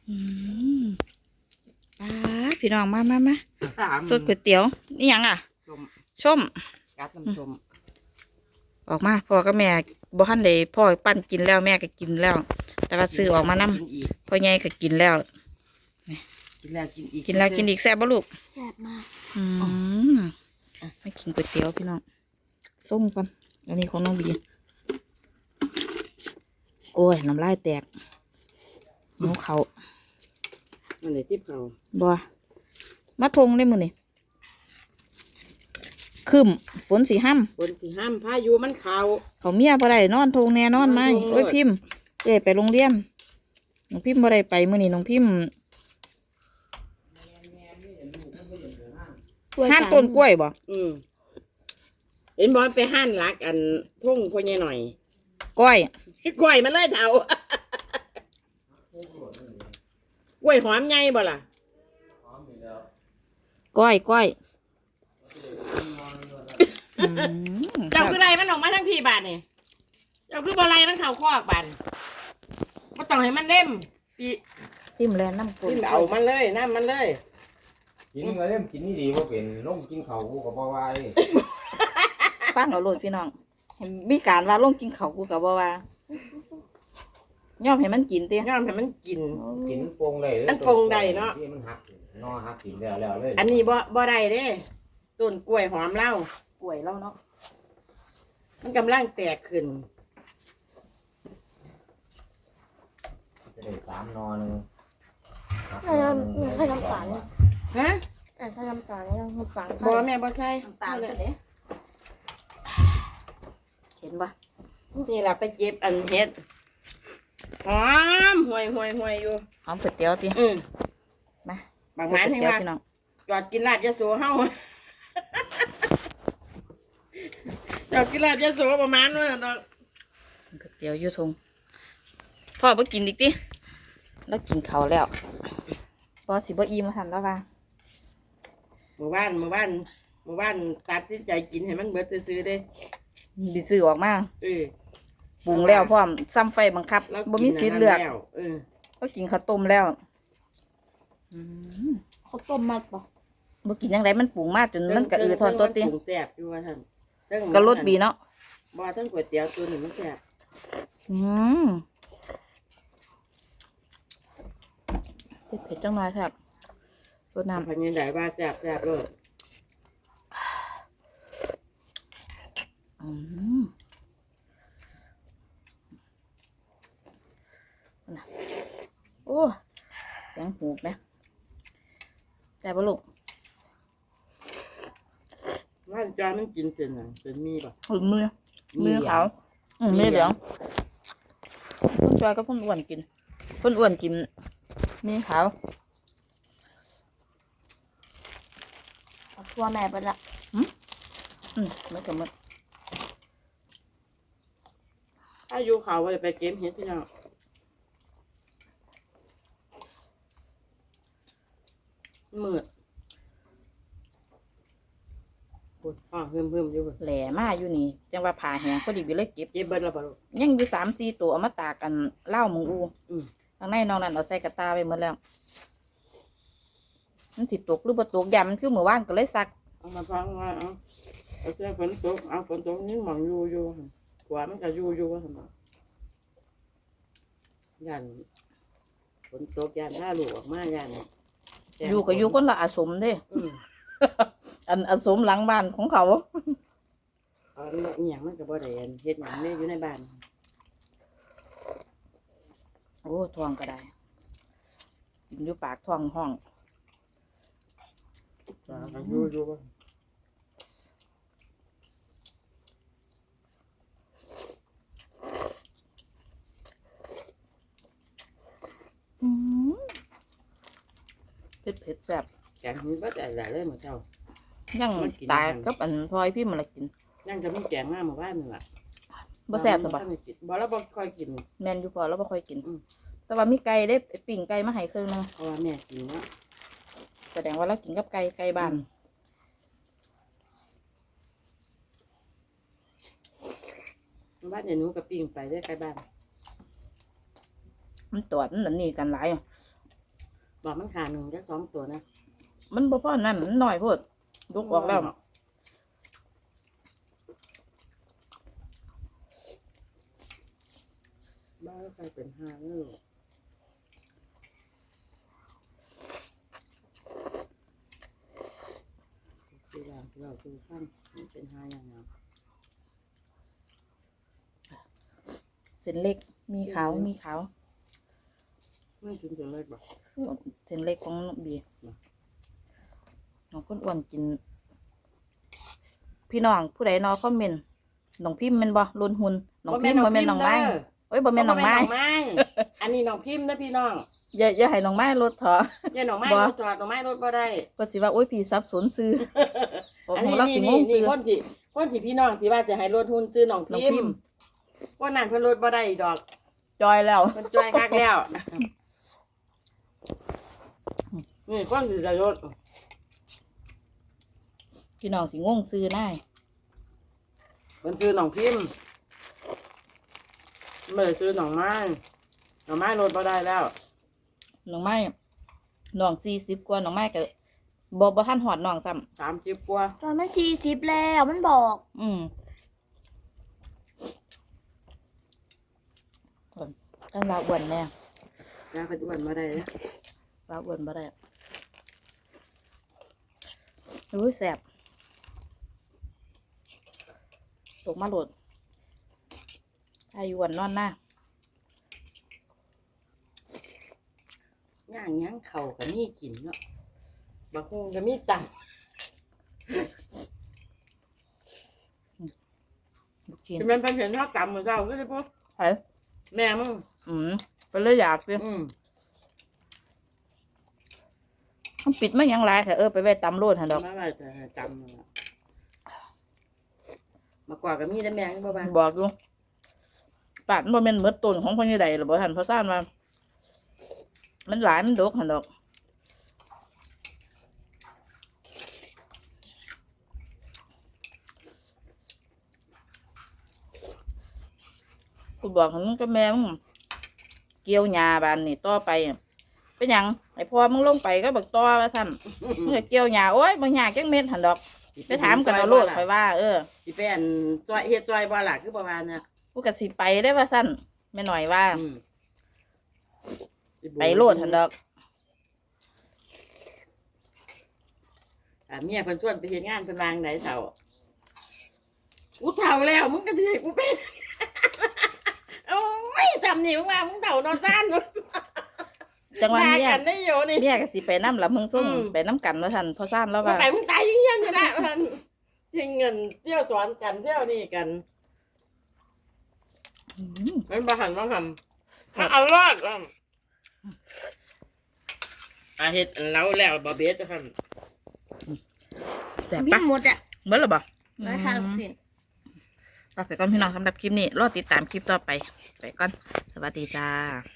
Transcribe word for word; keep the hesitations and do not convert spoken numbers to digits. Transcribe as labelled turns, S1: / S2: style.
S1: อืมป้าพี่น้องมามามา
S2: สาม
S1: สดก๋วยเตี๋ยวนี่ยังอ่ะ
S2: ชม
S1: ส้ม
S2: กัดน้ำชม
S1: ออกมาพ่อกับแม่บ่ทันได้พ่อปั้นกินแล้วแม่ก็กินแล้ว แต่ว่าซื้อออกมานำ
S2: กินอีก
S1: พ่อใหญ่ก็กินแล้ว
S2: กินแล้วกินอีก
S1: กินแล้วกินอีกแซ่บบ่ลูก
S3: แซ่บมาก
S1: อืมไม่กินก๋วยเตี๋ยวพี่น้องส้มกันอันนี้ของน้องบีโอ้ยน้ำลายแตกหิวเขา
S2: มันเลยทิพเขา
S1: บ่มาทงได้มื้อนี่คืมฝนสีห้ำ
S2: คนสิห้ามพายุมันเขา
S1: เขาเมียบ่ได้นอนทงแน่นอนไหม
S2: นอนทง
S1: โอ้ยพิมพ์เอ้ไปโรงเรียนน้องพิมพ์บ่ได้ไปมื้อนี้น้องพิมพ์ห้านต้นกล้วยบ่
S2: อืมเห็นบอลไปห้านรักอันทุ่งพ่อใหญ่หน่อย
S1: กล้วย
S2: กล้วยมันเลยเถา กล้วยหอมใหญ่บ่ล่ะ
S1: กล้วยกล้วยอืม
S2: เจ้าคือไรมันออกมาทั้งพี่บาทนี่เจ้าคือบ่ไรมันเข่าคอกบานก็ต้องให้มันเล่มพี่
S1: พิมพ์แลนน้ำกล้วย
S2: พี่เอามันเลยน้ำมันเลย
S4: กินก็เริ่มกินนี่ดีว่าเป็นลงกินเขากูกับบ่ไหว
S1: ฟังเอาโลดพี่น้องเห็นมีการว่าลงกินข้าวกูก็บ่ว่าย่อมให้มันกินเตี้ย
S2: ย่อมให้มันกิน
S4: กินโป่งได้เลย
S2: อันโป่งได้เนาะ
S4: ที่มันหักนอหักกินแล้วแล้วเลย
S2: อันนี้บ่บ่ได้เด้ต้นกล้วยหอมเล่าก
S1: ล้วยแล้วเนาะ
S2: มันกำลังแตกขึ้น
S4: จะได้สามนอหนึง
S3: ใส่น้ำใส่น้ำตาล
S2: ฮะ
S3: อ่ะใส่น้ำตาลแล้วน้ำตาล
S2: บ่แม่บ่ใส่
S1: น้ำตาลเด้เห็นปะ
S2: นี่ล่ะไปเก็บอันเฮ็ดหอมห่วยห่วยห่วยอยู่
S1: หอมก๋วยเตี๋ยวติ
S2: อืม
S1: มา
S2: บางหมานให้ว่า
S1: พี่น้อง
S2: จอดกินลาบยะโสเฮา จอดกินลาบยะโสประมาณนั้นน่ะเนาะ
S1: ก๋วยเตี๋ยวอยู่ทงพ่อบ่กินอีกติแล้วกินข้าวแล้วพอสิบ่อิ่มมาทันแล้วว่า
S2: หมู่บ้านหมู่บ้านหมู่บ้านตัดสินใจกินให้มันเบิดซื่อๆเด้
S1: ดิซื้อออกมา
S2: เออ
S1: ปรุงแล้วพร้อมซ้ำไฟบังคับ
S2: แล้ว
S1: บ่มีสิทธิ์เลือก
S2: แล้วเออ
S1: ก็กินข้าวต้มแล้วอืม
S3: เขาต้มมัดปะ
S1: บ่กินยังไงมันปรุงมากจนมันกระอือทอนตัวติ
S2: ปรุงแซ่บอยู่ว่าท่านเรื่อง
S1: ก็รสบีเนาะ
S2: บ่ทั้งก๋วยเตี๋ยวตัวนี้มันแซ่บ
S1: อืมเผ็ดๆจังหน่อยครับรสน้ำ
S2: พันยังได้ว่าแซ่บแซ่บเลย
S1: อืมน่ะโอ้เสียงหูบไหมแต่บลูก
S2: ว่าจอยมันกินเส้นหยังเส้นมีป่ะ
S1: หืมมือมือเขาอืมมือเหลืองพ่นจอยก็พ่นอ้วนกินพ่นอ้วนกินมีขาว
S3: เอาทั่วแม่ไปละ
S1: อืมไม่กับมัน
S2: ถ้าอยู่เขาว่าจะไปเก็บเห็ดพี่น้องมืดปวดห้องเพิ่มเพิ่มอยู่เบิด
S1: แหล่มาอยู่นี่จังว่าผ่าแหงพอดีไปเลยเก็บ
S2: เจ็บเบิดแล้วป่ะลูก
S1: ยังอยู่สามสี่ตัวเอามาตากกันเล่ามึงอู
S2: อืม
S1: ทางในน้องนั่นเอาใส่กระตาไปหมดแล้วมันสิตกหรือบ่ตกยามมันคือเมื่อวานก็เลยซัก
S2: เอามาฟังว่าเอาเอาเสื้อฝนตกเอาฝนตกนี่หมองอยู่อยู่ขวามันก็อยู่อยู่ว่าทำไมยันฝนตกยันถ้าลูกออกมายัน
S1: อยู่ก็อยู่คนละอาสมเด้
S2: อืม
S1: อันอาสมหลังบ้านของเขา
S2: เอาอหย่างมันก็บ่ได้อันเฮ็ดหยังเนี่ยอยู่ในบ้าน
S1: โอ้ทองก็ได้กินอยู่ปากท้องห้อง
S2: ก็อยู่อยู่ว่า
S1: เผ็ดเผ็ดแซ่บ
S2: แกงมีบ่ได้หลายเลยเหมือนเจ้า
S1: ยัง
S2: มันกิน
S1: ตาย
S2: อาหาร
S1: กับอันพลอยพี่มันละกิน
S2: ยังจะมีแกงมาหมู่บ้านนี่ล่ะ
S1: บ่แซ่บสบาย
S2: บ่แล้วบ่ค่อยกิน
S1: แม่นอยู่พอแล้วบ่ค่อยกิน
S2: อืม
S1: แต่ว่ามีไก่ได้ปิ่งไก่มาให้เครื่องนึง
S2: เพราะว่าแม่กินเนาะ
S1: แสดงว่าเรากินกับไก่ไก่บ้าน
S2: บ้านเนี่ยหนูกับปิ้งไปได้ใกล้บ้าน
S1: มันตรวจมันอันนี่กันหลายอะ
S2: บอกมันขาหนึ่งจะสองตัวนะ
S1: มันบ่พอนั่นมันน้อยโพดยกออกแล้ว
S2: บ้าใครเป็นห้าเนื้อคือเราเราคือขั้นมันเป็นห้าอย่างเนาะ
S1: เส้นเล็กมีขาวมีขาว
S2: ไม่กินจนเล็กบ่
S1: เส้นเล็กของน้องบีน้องคนอ้วนกิน พี่น้องผู้ใดนอคอมเมนต์น้องพิมพ์แม่นบ่ล้นหุ่นน้องพิมพ์บ่แม่นน้องไม้โอ้ยบ่แม่นน้องไม้
S2: อันนี้น้องพิมพ์นะพี่น้อง
S1: อย่าอย่าให้น้องไม้ลดเถอะ
S2: อย่าน้องไม้รถจอดน้องไม้รถบ่ได้
S1: ก็สิว่าโอ้ยพี่สับสนซื้อโอ้
S2: อัน
S1: โห
S2: นี้
S1: เรา
S2: นี่
S1: สิง
S2: นี่
S1: ง
S2: นี่
S1: ซื้อ
S2: คนที่คนที่พี่น้องที่ว่าจะให้รถหุ้นซื้อน้อง
S1: น้อง
S2: พิ
S1: พิ
S2: ม
S1: มพ์
S2: พ์ว่านั่นเพิ่นรถบ่ได้ดอก
S1: จอยแล้ว
S2: เพิ่นจ่ายคักแล้วนี่คนที่จะรถ
S1: พี่น้องสิงงซื้อได้
S2: เพิ่นซื้อน้องพิมพ์ไม่ได้ซื้อน้องไม้น้องไม้รถบ่ได้แล้ว
S1: น้องไม้น้องสี่สิบกว่าน้องไม้ก็บ่บ่ทันหอดน้องซ้ำ
S2: สามสิบกว่า
S3: ตอนมันสี่สิบแล้วมันบอก
S1: อืมต้องลาอ้วนแน่
S2: ยาปัจจุบันมาได้แล้ว
S1: ลาอ้วนบ่ได้อุ้ยแสบตกมาโหลดอายุวันนอนหน้า
S2: ย่างย่างเข่าก็มีกินเนาะบางคนก็มีตังค์
S1: ลูกชิ้น
S2: ที่มันเป็นเห็นเท่าต่ำเหมือนเราก็ใช่ปะ
S1: เฮ้ย
S2: แม่มึง
S1: อืมไปเลยอยากเลย
S2: อืม
S1: มันปิดไม่ยังไรแต่เออไปไว้ตำโลดหันดอก
S2: มาว่าจะจำนั่นล่ะมากกว่าก็มีแต่แม่งบ่บ้าง
S1: บอกอยู่ปาดมันเป็นเหมือนต้นของพ่อใหญ่ใดหรือบ่ทันเพราะซ่านว่ามันหลายมันดกหันดอกกูบอกมึงกับแม่มึงเกี่ยวหญ้าบานนี่ต่อไปอะเป็นหยังไอ้พ่อมึงลงไปก็บักต่อว่าซั่นมึงก็เกี่ยวหญ้าโอ้ยบ่หญ้าจักเม็ดหันดอกไปถามกันเอาโลดไปว่าเออ
S2: สิเป็นจอยเฮ็ดจอยบ่ล่ะคือประมาณน่ะ
S1: กูก็สิไปได้ว่าซั่นแม่หน่อยว่า
S2: อืม
S1: ไปโลดหันดอก
S2: อ่าเมียเพิ่นชวนไปเฮ็ดงานเพิ่นวางไหนเฒ่ากูเฒ่าแล้วมึงก็สิให้กูเป็น โอ้ยจำนี่มึงว่ามึงเฒ่านอนซ่าน
S1: จังหวะ
S2: ด่า
S1: เนี้ย
S2: กันได้อยู่นี่
S1: เมียก็สิไปน้ำละมึงส่ง
S2: อืม
S1: ไปน้ำกันว่าซั่นเพราะซ่านแล้ว
S2: มึง
S1: ว่า
S2: ไปมึงตายอยู่เฮียนนี่แหละมันทิ้งเงินเที่ยวสอนกันเที่ยวนี่กัน
S1: อืม
S2: มันบ่หันบ่ทำถ้าเอารอดอ่ะอาเฮ็ดอันแล้วแล้วบ่เบ็ดจะหั่น
S1: แซ่บ
S3: พี่
S1: ปะ
S3: หมดอ่ะ
S1: เบิ่แล้วบ่
S3: ร้อยห้าสิบ
S1: ไปไปก่อนพี่น้องสำหรับคลิปนี้รอติดตามคลิปต่อไปไปก่อนสวัสดีจ้า